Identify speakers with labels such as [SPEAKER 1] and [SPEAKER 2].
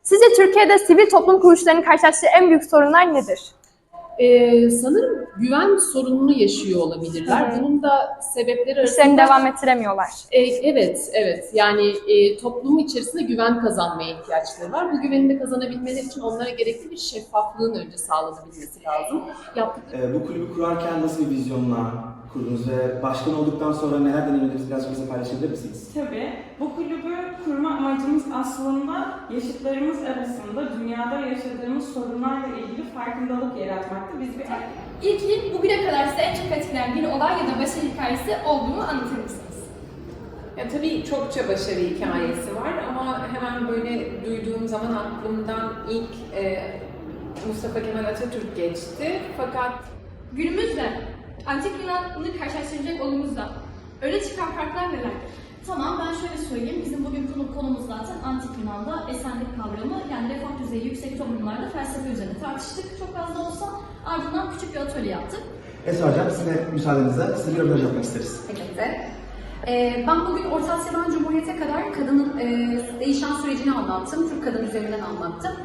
[SPEAKER 1] Sizce Türkiye'de sivil toplum kuruluşlarının karşılaştığı en büyük sorunlar nedir?
[SPEAKER 2] Sanırım güven sorununu yaşıyor olabilirler.
[SPEAKER 1] Hı hı.
[SPEAKER 2] Bunun da sebepleri arasında...
[SPEAKER 1] İşlerini devam ettiremiyorlar.
[SPEAKER 2] Evet. Yani toplumun içerisinde güven kazanmaya ihtiyaçları var. Bu güveni de kazanabilmeleri için onlara gerekli bir şeffaflığın önce sağlanabilmesi lazım.
[SPEAKER 3] Bu kulübü kurarken nasıl bir vizyonla kurdunuz ve başkan olduktan sonra neler deneyimlediniz, birazcık bize paylaşabilir misiniz?
[SPEAKER 4] Tabii. Bu kulübü kurma amacımız aslında yaşıtlarımız arasında dünyada yaşadığımız sorunlarla ilgili farkındalık yaratmaktı. Biz bir
[SPEAKER 5] İlk bugüne kadar size en çok etkileyen bir olay ya da başarı hikayesi olduğunu anlatır mısınız?
[SPEAKER 6] Ya tabii çokça başarı hikayesi var ama hemen böyle duyduğum zaman aklımdan ilk Mustafa Kemal Atatürk geçti. Fakat
[SPEAKER 5] Günümüzde Antik Yunan'ı karşılaştıracak olduğumuzda öne çıkan farklar nelerdir?
[SPEAKER 7] Tamam, ben şöyle söyleyeyim. Bizim bugün konumuz zaten Antik Yunan'da esenlik kavramı, yani refah düzeyi yüksek toplumlarda felsefe üzerine tartıştık. Çok az da olsa ardından küçük bir atölye yaptık.
[SPEAKER 3] Esra Hocam, size müsaadenizle size bir röportaj yapmak isteriz.
[SPEAKER 8] Elbette. Ben bugün Orta Asya'dan Cumhuriyet'e kadar kadının değişen sürecini anlattım. Türk kadın üzerinden anlattım.